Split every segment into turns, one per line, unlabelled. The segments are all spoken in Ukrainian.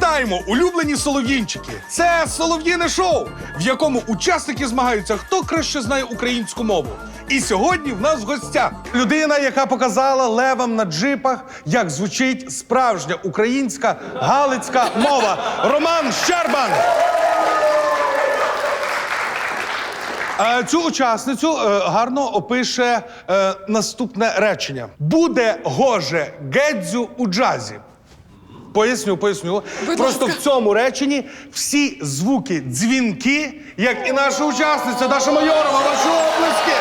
Вітаємо, улюблені солов'їнчики! Це солов'їне шоу, в якому учасники змагаються, хто краще знає українську мову. І сьогодні в нас в гостях людина, яка показала левам на джипах, як звучить справжня українська галицька мова. Роман Щербан! Цю учасницю гарно опише наступне речення. Буде гоже Гедзю у джазі. Поясню. Просто в цьому реченні всі звуки дзвінки, як і наша учасниця Даша Майорова. Ваші оплески!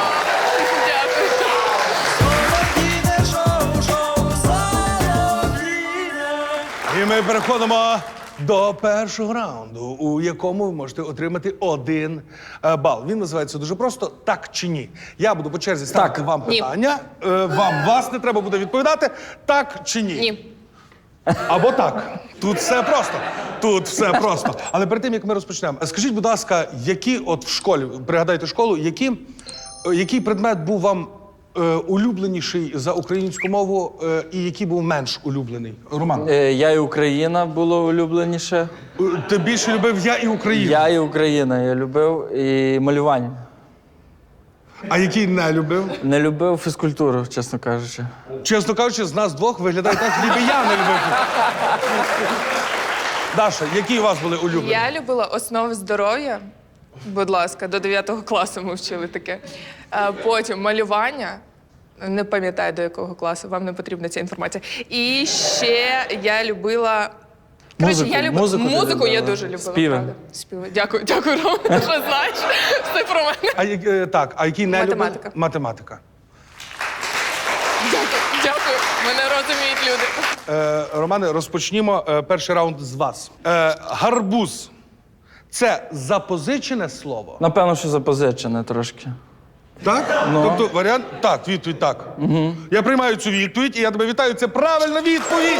І ми переходимо до першого раунду, у якому ви можете отримати 1 бал. Він називається дуже просто «Так чи ні?». Я буду по черзі ставити вам питання. Власне, треба буде відповідати «так» чи «ні».
Ні.
Або так. Тут все просто. Але перед тим, як ми розпочнемо, скажіть, будь ласка, які от в школі, пригадайте школу, який предмет був вам улюбленіший за українську мову і який був менш улюблений? Роман?
Я і Україна було улюбленіше.
Ти більше любив «Я і Україна»?
Я і Україна, я любив і малювання.
А який не любив?
Не любив фізкультуру, чесно кажучи.
Чесно кажучи, з нас двох виглядає так, ніби я не любив. Даша, які у вас були улюблені?
Я любила основи здоров'я. Будь ласка, до 9 класу ми вчили таке. Потім малювання. Не пам'ятаю, до якого класу, вам не потрібна ця інформація. І ще я любила... Музику я дуже любила.
Співи.
Правда. Співи. Дякую, Рома, що знаєш все про мене.
А який не любив?
Математика.
Математика.
Дякую. Мене розуміють люди.
Романе, розпочнімо перший раунд з вас. Гарбуз. Це запозичене слово?
Напевно, що запозичене трошки.
Так? Тобто варіант? Так, відповідь так. Я приймаю цю відповідь, і я тебе вітаю. Це правильна відповідь!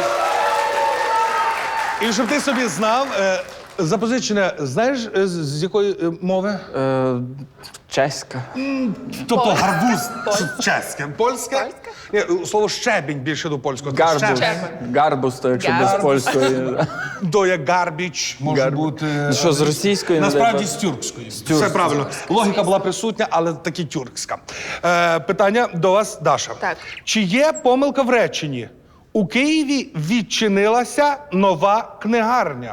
І щоб ти собі знав, запозичене, знаєш, з якої мови?
Чеська.
Тобто гарбуз чеське. Польське? Ні, слово щебінь більше до польського.
Гарбуз. Гарбуз, то якщо без польської.
До як гарбіч може бути.
Що, з російської?
Насправді з тюркської. Все правильно. Логіка була присутня, але таки тюркська. Питання до вас, Даша.
Так.
Чи є помилка в реченні? У Києві відчинилася нова книгарня.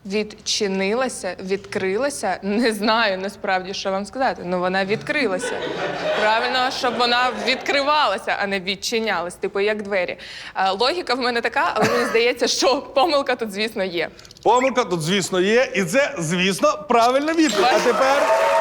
Відкрилася. Не знаю насправді, що вам сказати. Ну, вона відкрилася. Правильно, щоб вона відкривалася, а не відчинялась, типу як двері. Логіка в мене така, але мені здається, що помилка тут, звісно, є.
Помилка тут, звісно, є, і це, звісно, правильна відповідь. А тепер,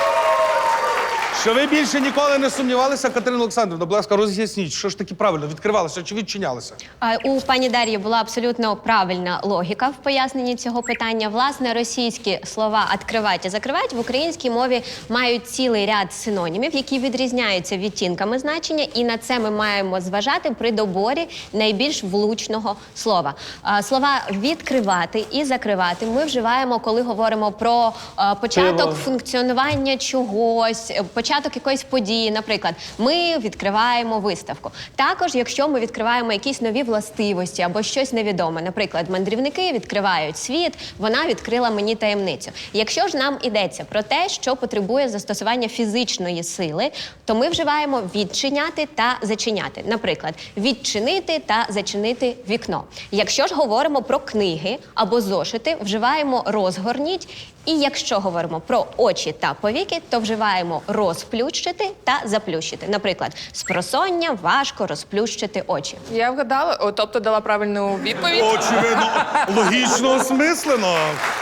що ви більше ніколи не сумнівалися, Катерина Олександрівна, будь ласка, роз'ясніть, що ж таки правильно, відкривалося чи відчинялося?
У пані Дар'ї була абсолютно правильна логіка в поясненні цього питання. Власне, російські слова «откривать» і «закривать» в українській мові мають цілий ряд синонімів, які відрізняються відтінками значення, і на це ми маємо зважати при доборі найбільш влучного слова. Слова «відкривати» і «закривати» ми вживаємо, коли говоримо про початок функціонування чогось, початок якоїсь події, наприклад, ми відкриваємо виставку. Також, якщо ми відкриваємо якісь нові властивості або щось невідоме, наприклад, мандрівники відкривають світ, вона відкрила мені таємницю. Якщо ж нам йдеться про те, що потребує застосування фізичної сили, то ми вживаємо відчиняти та зачиняти. Наприклад, відчинити та зачинити вікно. Якщо ж говоримо про книги або зошити, вживаємо розгорніть. І якщо говоримо про очі та повіки, то вживаємо розплющити та заплющити. Наприклад, спросоння важко розплющити очі.
Я вгадала, тобто дала правильну відповідь.
Очевидно, логічно осмислено.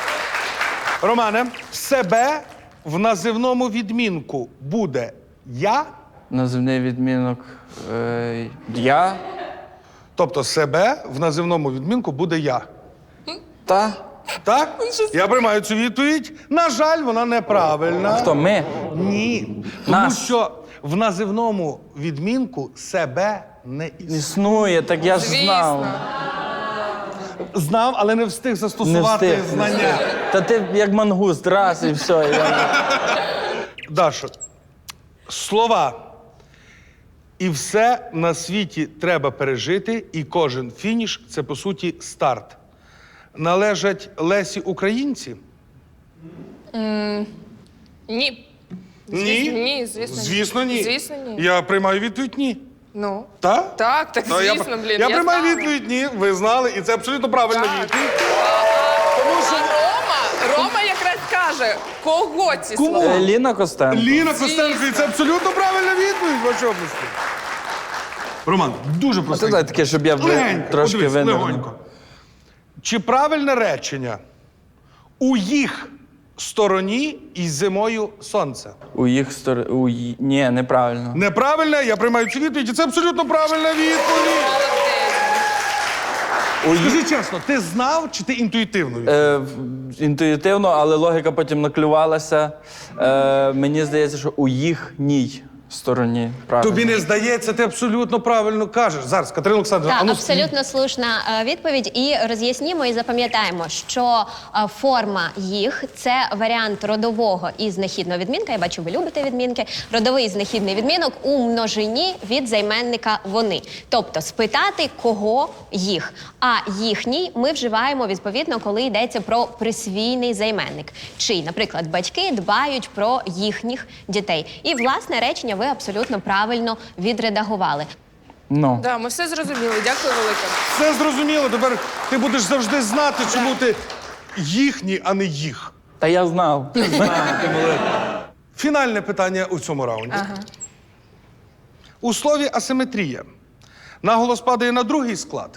Романе, себе в називному відмінку буде «я»?
Називний відмінок я.
Тобто себе в називному відмінку буде «я».
Та.
Так? Я приймаю цю відповідь. На жаль, вона неправильна.
Хто? Ми?
Ні. Тому
Нас.
що в називному відмінку себе не існує.
Існує, так я ж знав.
Звісно.
Знав, але не встиг застосувати знання.
Та ти як мангуст, раз і все.
Даша, слова. І все на світі треба пережити, і кожен фініш – це, по суті, старт. належать Лесі Українці?
Ні.
Ні?
Ні, звісно.
Звісно, ні.
Звісно, ні.
Я приймаю відповідь ні.
Ну.
Так?
Так, звісно, блін.
Я приймаю
знала.
відповідь ні. Ви знали, і це абсолютно правильна
Так.
відповідь. Тому що
Рома якраз каже, кого ці
Кому?
слова?
Ліна Костенко.
Ліна Костенко, і це абсолютно правильна відповідь в вашій області. Роман, дуже
Це
просто.
дай таке, щоб я
Легенько,
трошки
подивись,
винервнув.
легонько. Чи правильне речення у їх стороні і зимою сонце?
У їх стороні. Ні, неправильно.
Неправильне, я приймаю цю відповідь, і це абсолютно правильна відповідь. Скажи чесно, ти знав чи ти інтуїтивно відповів?
Інтуїтивно, але логіка потім наклювалася. Мені здається, що у їхній стороні. Правильно.
Тобі не здається, ти абсолютно правильно кажеш. Зараз, Катерина Олександрівна,
Так,
а ну,
абсолютно слушна відповідь. І роз'яснімо і запам'ятаємо, що форма їх це варіант родового і знахідного відмінка. Я бачу, ви любите відмінки. Родовий і знахідний відмінок у множині від займенника вони. Тобто спитати, кого їх. А їхній ми вживаємо відповідно, коли йдеться про присвійний займенник. Чи, наприклад, батьки дбають про їхніх дітей. І власне речення ви абсолютно правильно відредагували.
Ну.
Да, ми все зрозуміли. Дякую велике.
все зрозуміло. Тепер ти будеш завжди знати, чому ти їхній, а не їх.
Та я знав.
Фінальне питання у цьому раунді. У слові асиметрія наголос падає на другий склад.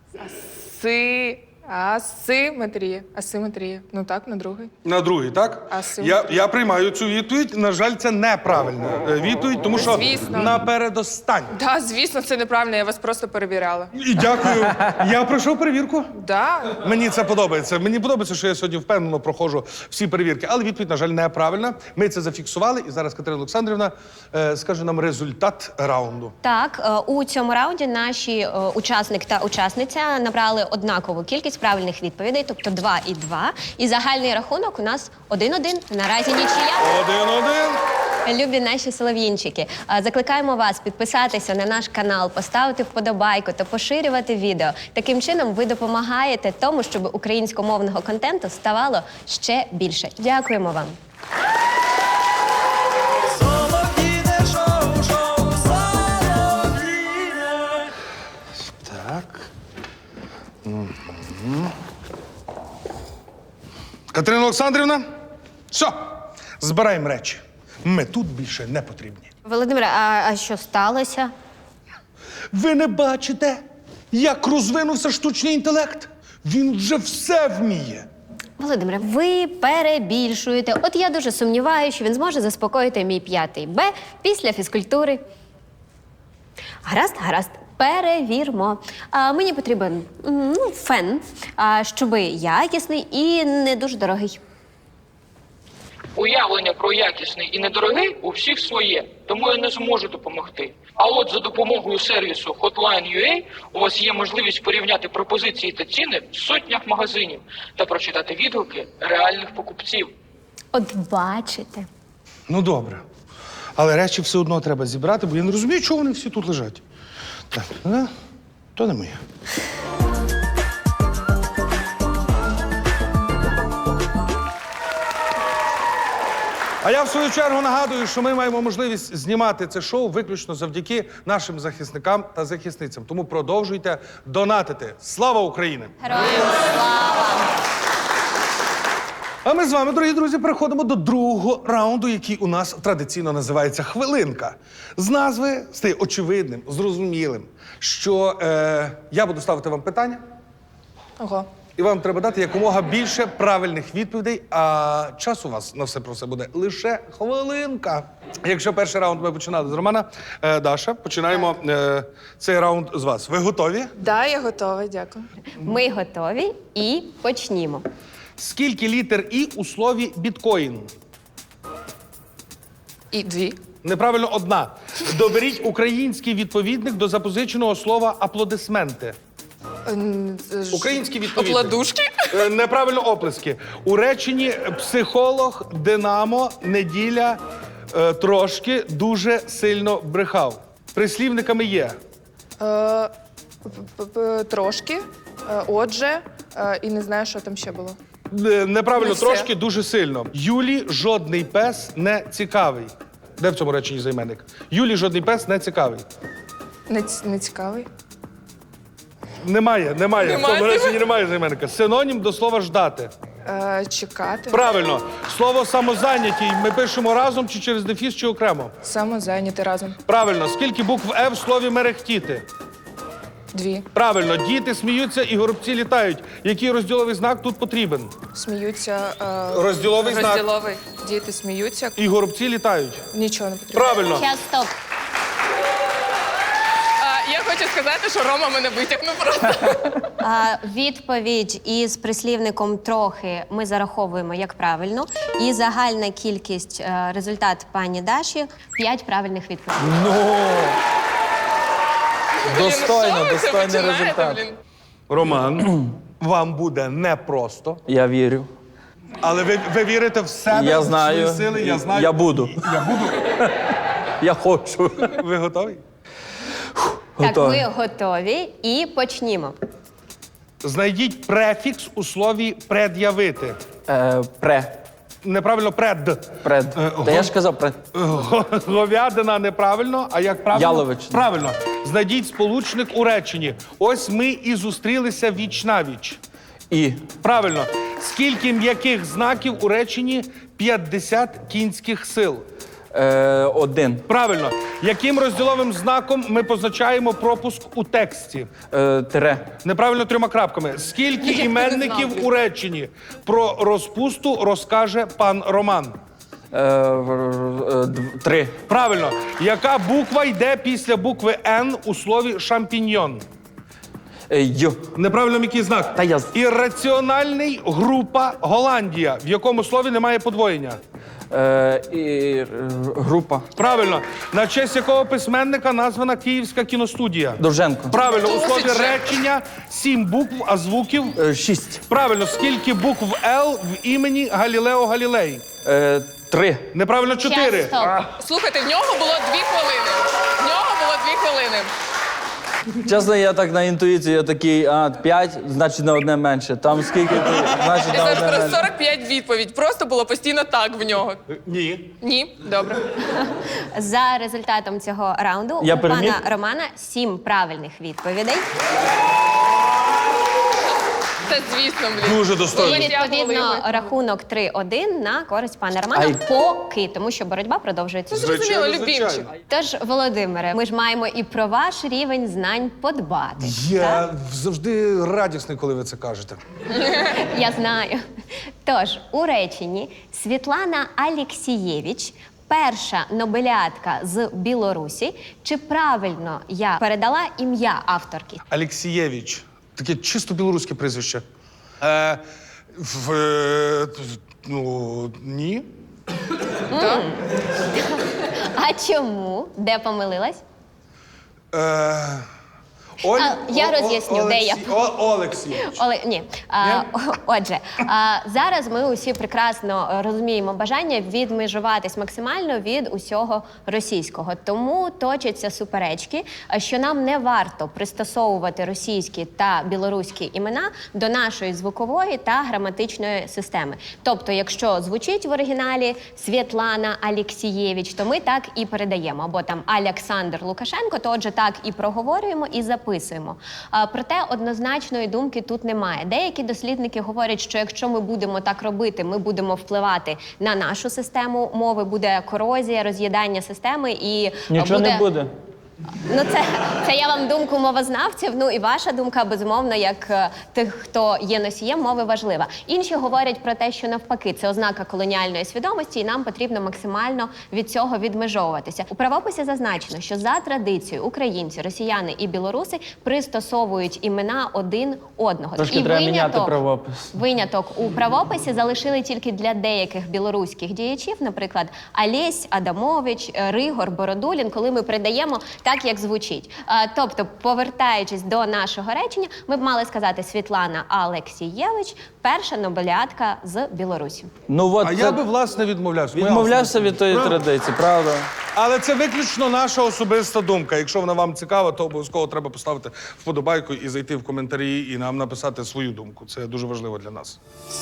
Асиметрія. Ну так, на другий.
На другий, так?
Асиметрія.
Я приймаю цю відповідь. На жаль, це неправильна відповідь, тому що
Звісно.
напередостань.
Так, звісно, це неправильно, я вас просто перевіряла.
І дякую. Я пройшов перевірку.
Да.
Мені це подобається. Мені подобається, що я сьогодні впевнено проходжу всі перевірки. Але відповідь, на жаль, неправильна. Ми це зафіксували, і зараз Катерина Олександрівна скаже нам результат раунду.
Так, у цьому раунді наші учасник та учасниця набрали однакову кількість правильних відповідей, тобто 2 і 2. І загальний рахунок у нас 1-1. Наразі нічия.
1-1.
Любі наші солов'їнчики, закликаємо вас підписатися на наш канал, поставити вподобайку та поширювати відео. Таким чином ви допомагаєте тому, щоб українськомовного контенту ставало ще більше. Дякуємо вам.
Так. Катерина Олександрівна, все, збираємо речі. Ми тут більше не потрібні.
Володимире, а що сталося?
Ви не бачите, як розвинувся штучний інтелект? Він вже все вміє.
Володимире, ви перебільшуєте. От я дуже сумніваюся, що він зможе заспокоїти мій 5 Б після фізкультури. Гаразд. Перевірмо. Мені потрібен фен, щоб якісний і не дуже дорогий.
Уявлення про якісний і недорогий у всіх своє, тому я не зможу допомогти. А от за допомогою сервісу Hotline.ua у вас є можливість порівняти пропозиції та ціни в сотнях магазинів та прочитати відгуки реальних покупців.
От бачите.
Ну, добре. Але речі все одно треба зібрати, бо я не розумію, чого вони всі тут лежать. Так, то не моє. А я в свою чергу нагадую, що ми маємо можливість знімати це шоу виключно завдяки нашим захисникам та захисницям. Тому продовжуйте донатити. Слава Україні!
Героям слава!
А ми з вами, дорогі друзі, переходимо до другого раунду, який у нас традиційно називається «Хвилинка». З назви стає очевидним, зрозумілим, що я буду ставити вам питання,
Ого.
і вам треба дати якомога більше правильних відповідей, а час у вас на все про все буде лише хвилинка. Якщо перший раунд ми починали з Романа, Даша, починаємо цей раунд з вас. Ви готові?
Да, я готова, дякую.
Ми готові і почнімо.
Скільки літер «і» у слові «біткоін»?
І 2.
Неправильно одна. Доберіть український відповідник до запозиченого слова аплодисменти. Український відповідник.
Опладушки?
Неправильно оплески. У реченні психолог, Динамо, неділя, трошки, дуже сильно брехав. Прислівниками є.
Трошки. Отже, І не знаю, що там ще було.
Неправильно,
Не все.
трошки, дуже сильно. Юлі жодний пес не цікавий. Де в цьому реченні займенник? Юлі жодний пес не цікавий.
Не цікавий.
Немає. В
Немає.
цьому реченні немає займенника. Синонім до слова ждати.
Чекати.
Правильно. Слово самозайнятій ми пишемо разом чи через дефіс, чи окремо?
Самозайняти разом.
Правильно. Скільки букв «е» в слові мерехтіти?
2.
Правильно. Діти сміються і горобці літають. Який розділовий знак тут потрібен?
Сміються.
Розділовий знак.
Розділовий. Діти сміються.
І горобці літають.
Нічого не потрібно.
Правильно.
Час, стоп.
Я хочу сказати, що Рома мене витягнув просто.
Відповідь із прислівником трохи ми зараховуємо як правильну. І загальна кількість результат пані Даші 5 правильних відповідей.
Достойний результат.
Роман, вам буде непросто,
Я вірю.
але ви вірите в себе,
Я
в
знаю.
свої сили, я знаю.
Я буду.
Я буду.
Я хочу.
Ви готові?
Так,
Готові.
ми готові і почнімо.
Знайдіть префікс у слові пред'явити. Неправильно пред.
Та я ж казав пред.
Говядина неправильно, а як правильно?
Яловичина.
Правильно. Знайдіть сполучник у реченні. Ось ми і зустрілися віч-навіч.
І.
Правильно. Скільки м'яких знаків у реченні 50 кінських сил?
1.
Правильно. Яким розділовим знаком ми позначаємо пропуск у тексті?
Тире.
Неправильно 3 крапками. Скільки іменників у реченні про розпусту розкаже пан Роман?
3.
Правильно. Яка буква йде після букви «Н» у слові «шампіньйон»?
Й.
Неправильно який знак?
Та я...
Ірраціональний група Голландія. В якому слові немає подвоєння?
Група.
Правильно. На честь якого письменника названа Київська кіностудія?
Довженко.
Правильно. У слові
Досить же.
речення 7 букв, а звуків?
6.
Правильно. Скільки букв «Л» в імені Галілео Галілей?
3.
Неправильно 4.
Час, стоп.
Слухайте, в нього було 2 хвилини. В нього було 2 хвилини.
Чесно, я так на інтуїцію, я такий, 5, значить на одне менше. Там скільки, значить
Я
на
зараз
одне
про
менше.
45 відповідь. Просто було постійно так в нього.
Ні.
Ні? Добре.
За результатом цього раунду
Я
у
переміг?
пана Романа 7 правильних відповідей.
Та звісно, блін.
Дуже
І
достойно.
відповідно рахунок 3-1 на користь пана Романа
Ай.
поки, тому що боротьба продовжується.
Зрозуміло,
Звичайно,
любімчик.
звичайно.
Тож, Володимире, ми ж маємо і про ваш рівень знань подбати.
Я завжди радісний, коли ви це кажете.
Я знаю. Тож, у реченні Світлана Алєксієвич, перша нобеліатка з Білорусі. Чи правильно я передала ім'я авторки?
Алєксієвич.
Таке чисто білоруське прізвище.
Ні.
А чому? Де помилилась? Я роз'ясню, де я.
Олексійович.
Ні. Отже, зараз ми усі прекрасно розуміємо бажання відмежуватись максимально від усього російського. Тому точаться суперечки, що нам не варто пристосовувати російські та білоруські імена до нашої звукової та граматичної системи. Тобто, якщо звучить в оригіналі Світлана Алєксієвич, то ми так і передаємо. Або там Олександр Лукашенко, то отже так і проговорюємо, і записуємо. Проте однозначної думки тут немає. Деякі дослідники говорять, що якщо ми будемо так робити, ми будемо впливати на нашу систему мови, буде корозія, роз'їдання системи і
Нічого не буде.
Ну, це я вам думку мовознавців, ну і ваша думка, безумовно, як тих, хто є носієм мови, важлива. Інші говорять про те, що навпаки, це ознака колоніальної свідомості, і нам потрібно максимально від цього відмежовуватися. У правописі зазначено, що за традицією українці, росіяни і білоруси пристосовують імена один одного.
Трошки
І
треба міняти правопис.
Виняток у правописі залишили тільки для деяких білоруських діячів, наприклад, Олесь Адамович, Ригор Бородулін, коли ми передаємо так, так, як звучить. Тобто, повертаючись до нашого речення, ми б мали сказати Світлана Алексієвич, перша нобеліатка з Білорусі.
Ну, от
А
це...
я би, власне, відмовлявся. Моя
відмовлявся від тої
Правда?
традиції, правда?
Але це виключно наша особиста думка. Якщо вона вам цікава, то обов'язково треба поставити вподобайку і зайти в коментарі і нам написати свою думку. Це дуже важливо для нас.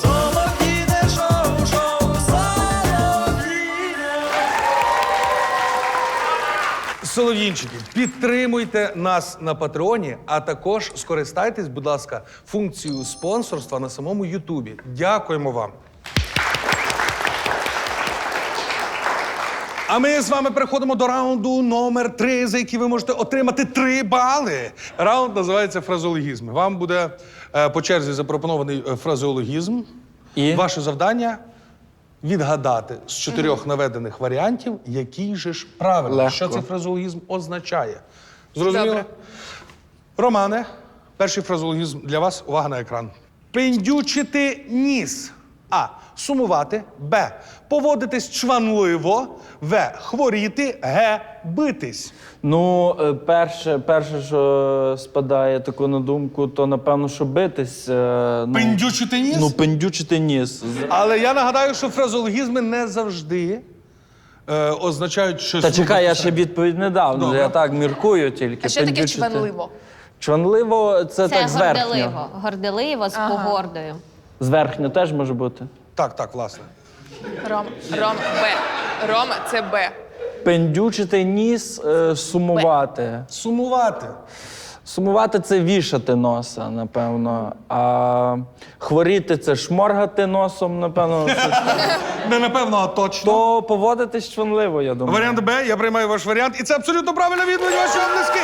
Солов'їнчики, підтримуйте нас на Патреоні, а також скористайтесь, будь ласка, функцією спонсорства на самому Ютубі. Дякуємо вам. А ми з вами переходимо до раунду номер 3, за який ви можете отримати 3 бали. Раунд називається фразеологізми. Вам буде по черзі запропонований фразеологізм.
І?
Ваше завдання відгадати з 4 наведених варіантів, який же ж правильно,
Легко.
що цей фразеологізм означає. Зрозуміло?
Добре.
Романе, перший фразеологізм для вас. Увага на екран. Пиндючити ніс. А. Сумувати. Б. Поводитись чванливо. В. Хворіти. Г. Битись.
Ну, перше, що спадає таку на думку, то напевно, що битись.
Пиндючити ніс?
Ну, пиндючити ніс.
Але я нагадаю, що фразеологізми не завжди означають щось...
Та чекай, я ще відповідь не дав.
Добре.
Я так міркую тільки.
А що таке
Пиндючити.
чванливо?
Чванливо це так зверхньо.
горделиво. Горделиво з погордою.
Зверхньо теж може бути.
Так, власне.
Рома, Б. Рома, це Б.
Пиндючити ніс, сумувати.
Сумувати.
Сумувати це вішати носа, напевно. А хворіти це шморгати носом, напевно.
Не напевно, а точно.
То поводитись чванливо, я думаю.
Варіант Б, я приймаю ваш варіант. І це абсолютно правильна відповідь ваші облиски.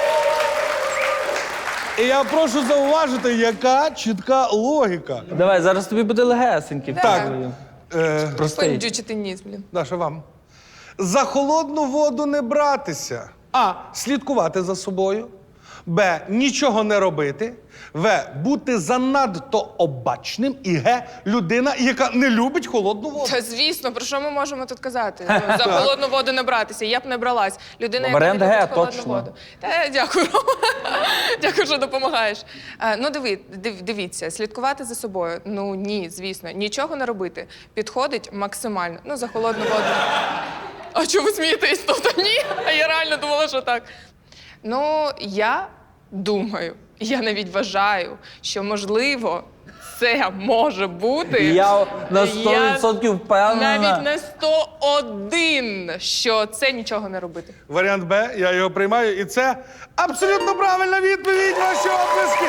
І я прошу зауважити, яка чітка логіка.
Давай, зараз тобі буде легесенький.
Так.
Простий.
Пиндючити ніс, блін.
Даша, вам. За холодну воду не братися. А. Слідкувати за собою. Б. Нічого не робити. В. Бути занадто обачним. І Г. Людина, яка не любить холодну воду.
Та звісно, про що ми можемо тут казати? Ну, за холодну воду не братися, я б не бралась. Людина, яка
Варіант
не любить
Г,
холодну
точно.
воду. Та дякую, Рома. Дякую, що допомагаєш. Ну, дивіться, слідкувати за собою. Ну ні, звісно, нічого не робити. Підходить максимально. Ну, за холодну воду. А чому ви смієтесь? Тобто ні? А я реально думала, що так. Ну, я думаю, я навіть вважаю, що можливо це може бути.
Я на 100% впевнена.
Навіть на 101, що це нічого не робити.
Варіант Б, я його приймаю. І це абсолютно правильна відповідь ваші облиски.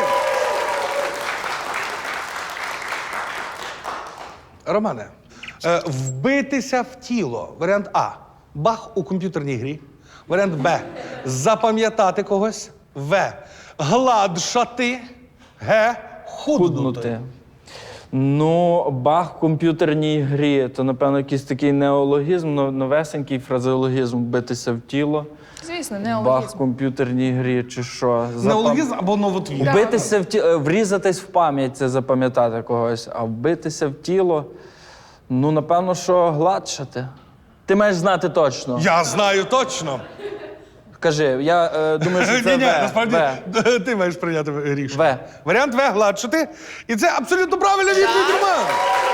Романе, вбитися в тіло. Варіант А. Бах у комп'ютерній грі. Варіант Б. Запам'ятати когось. В. Гладшати. Г. Худнути.
Худнути. Ну, бах в комп'ютерній грі, то, напевно, якийсь такий неологізм, новесенький фразеологізм «битися в тіло».
Звісно,
Бах в
неологізм.
комп'ютерній грі чи що?
Неологізм або новотвір.
Вбитися в тіло, врізатись в пам'ять – це запам'ятати когось, а вбитися в тіло, ну, напевно, що гладшати. Ти маєш знати точно.
Я знаю точно.
Кажи, я думаю, що це
Ні,
В.
насправді
В.
ти маєш прийняти рішення.
В.
Варіант В гладшати. І це абсолютно правильна відповідь, Роман.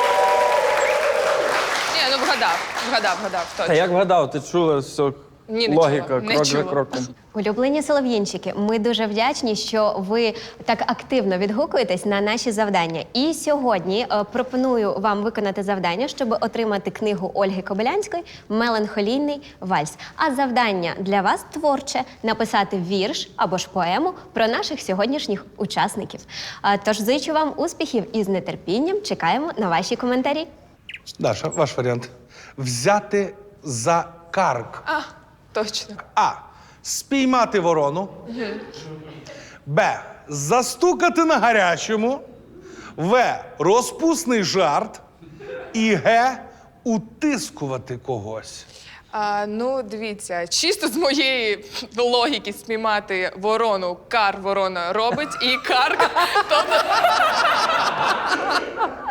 Ні, ну вгадав,
Та
точно.
як вгадав, ти чула все,
Ні, не
логіка,
чула, не
крок за
чула.
кроком.
Улюблені солов'їнчики, ми дуже вдячні, що ви так активно відгукуєтесь на наші завдання. І сьогодні пропоную вам виконати завдання, щоб отримати книгу Ольги Кобилянської «Меланхолійний вальс». А завдання для вас творче – написати вірш або ж поему про наших сьогоднішніх учасників. Тож зичу вам успіхів і з нетерпінням чекаємо на ваші коментарі.
Даша, ваш варіант. Взяти за карк.
А, точно.
А. Спіймати ворону. Б. Застукати на гарячому. В. Розпусний жарт. І Г. Утискувати когось.
Ну, дивіться, чисто з моєї логіки спіймати ворону, кар ворона робить, і карка, тобто...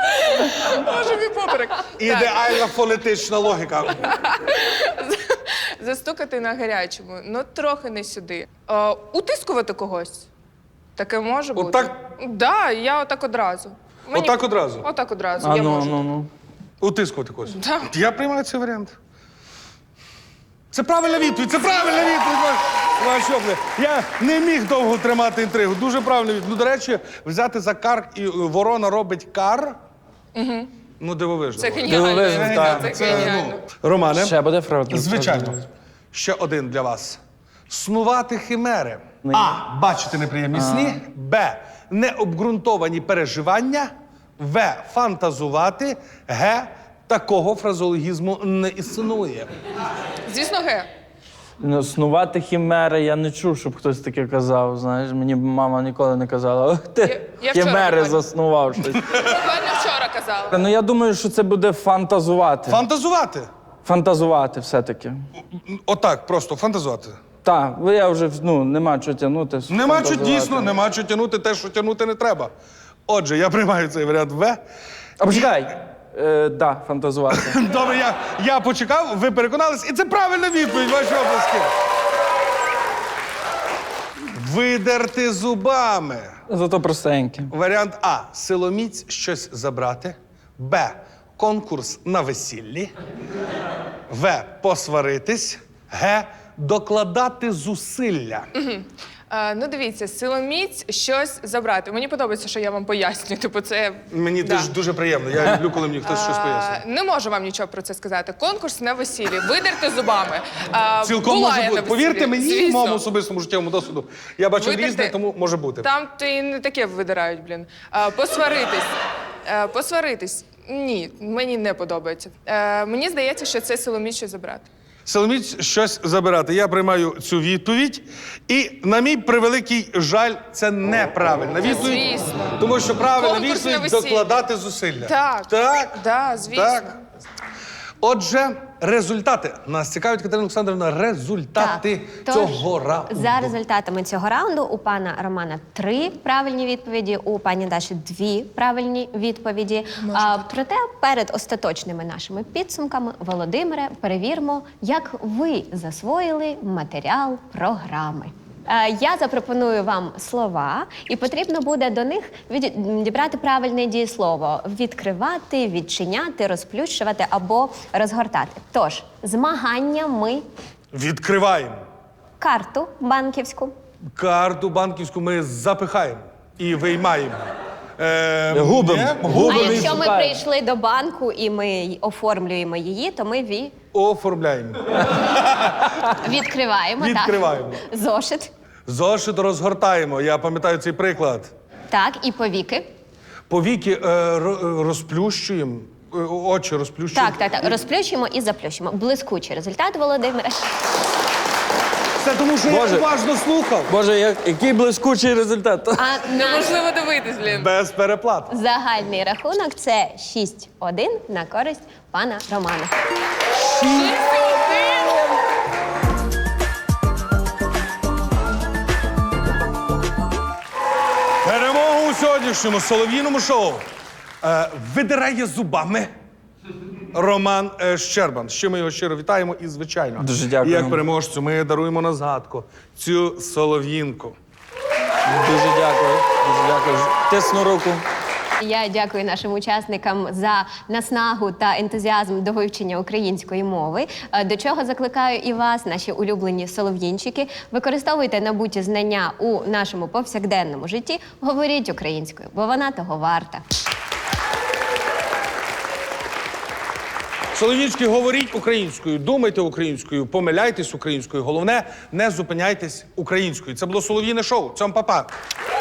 Боже, мій поперек. Так,
Ідеальна фонетична логіка.
Застукати на гарячому, ну трохи не сюди. Утискувати когось. Таке може бути?
Отак?
Да, я отак одразу.
Отак одразу?
Отак одразу,
А
я
ну,
можу.
ну.
Утискувати когось.
Да.
Я приймаю цей варіант. Це правильна відповідь, це правильна відповідь. Ваші обли. Я не міг довго тримати інтригу. Дуже правильна відповідь. Ну, до речі, взяти за кар і ворона робить кар. Угу. Ну, дивовижно.
Це геніально.
Дивовижно, так.
Це геніально.
Романе,
Ще буде фрагмент.
звичайно. Ще один для вас. Снувати химери. А. Бачити неприємні сни. Б. Необґрунтовані переживання. В. Фантазувати. Г. Такого фразеологізму не існує.
Звісно, ге.
Ну, снувати хімери, я не чув, щоб хтось таке казав. Знаєш, мені мама ніколи не казала. «Ох, ти
Я вчора
хімери
буквально.
заснував щось.
Буквально вчора казала.
Ну я думаю, що це буде фантазувати.
Фантазувати.
Фантазувати все-таки.
Отак, просто фантазувати.
Так, бо я вже нема чого тягнути.
Нема що
фантазувати.
дійсно, нема що тягнути те, що тягнути не треба. Отже, я приймаю цей варіант В.
А почекай. Да, фантазувати.
Добре, я почекав, ви переконались, і це правильна відповідь, ваші оплески. Видерти зубами.
Зато простеньке.
Варіант А. Силоміць щось забрати. Б. Конкурс на весіллі. В. Посваритись. Г. Докладати зусилля.
Ну, дивіться, силоміць щось забрати. Мені подобається, що я вам пояснюю. Типу, це
Мені
да.
дуже приємно. Я люблю, коли мені хтось щось пояснює.
Не можу вам нічого про це сказати. Конкурс на весіллі. Видерти зубами.
Цілком
Була
може
я
бути.
на
Повірте
весіллі,
мені,
звісно.
моєму особистому життєвому досвіду. Я бачив
Видерти-
різне, тому може бути.
Там ти і не таке видирають, блін. Посваритись. Посваритись. Ні, мені не подобається. Мені здається, що це силоміць щось забрати.
Силоміць щось забирати. Я приймаю цю відповідь. І, на мій превеликий жаль, це неправильна відповідь.
Звісно.
Тому що правильна
Конкурс на
відповідь
весілля.
докладати зусилля.
Так.
Так?
Да, звісно.
Так. Отже, результати. Нас цікавить, Катерина Олександрівна, результати
Тож,
цього раунду.
За результатами цього раунду у пана Романа 3 правильні відповіді, у пані Даші 2 правильні відповіді. Проте перед остаточними нашими підсумками, Володимире, перевіримо, як ви засвоїли матеріал програми. Я запропоную вам слова, і потрібно буде до них дібрати правильне дієслово: відкривати, відчиняти, розплющувати або розгортати. Тож, змагання ми
Відкриваємо.
карту банківську.
Карту банківську ми запихаємо і виймаємо.
Губимо.
А
Губимо і
якщо ми
шукаємо.
прийшли до банку і ми оформлюємо її, то ми
Оформляємо.
відкриваємо.
Відкриваємо.
Так. Зошит.
Зошит розгортаємо. Я пам'ятаю цей приклад.
Так, і повіки.
Повіки розплющуємо, очі розплющуємо.
Так. Розплющуємо і заплющуємо. Блискучий результат, Володимире.
Це тому, що
Боже.
я уважно слухав.
Боже, який блискучий результат.
А наш
Неможливо дивитись, блін.
Без переплат.
загальний рахунок це 6-1 на користь пана Романа.
Перемогу у сьогоднішньому солов'їному шоу видирає зубами Роман Щербан. Ще ми його щиро вітаємо і, звичайно,
Дуже дякую.
як переможцю ми даруємо на згадку цю солов'їнку.
Дуже дякую. Дуже дякую. Тисну руку.
Я дякую нашим учасникам за наснагу та ентузіазм до вивчення української мови. До чого закликаю і вас, наші улюблені солов'їнчики. Використовуйте набуті знання у нашому повсякденному житті. Говоріть українською, бо вона того варта.
Солов'їнчики, говоріть українською, думайте українською, помиляйтесь українською. Головне, не зупиняйтесь українською. Це було солов'їне шоу. Цьом па-па.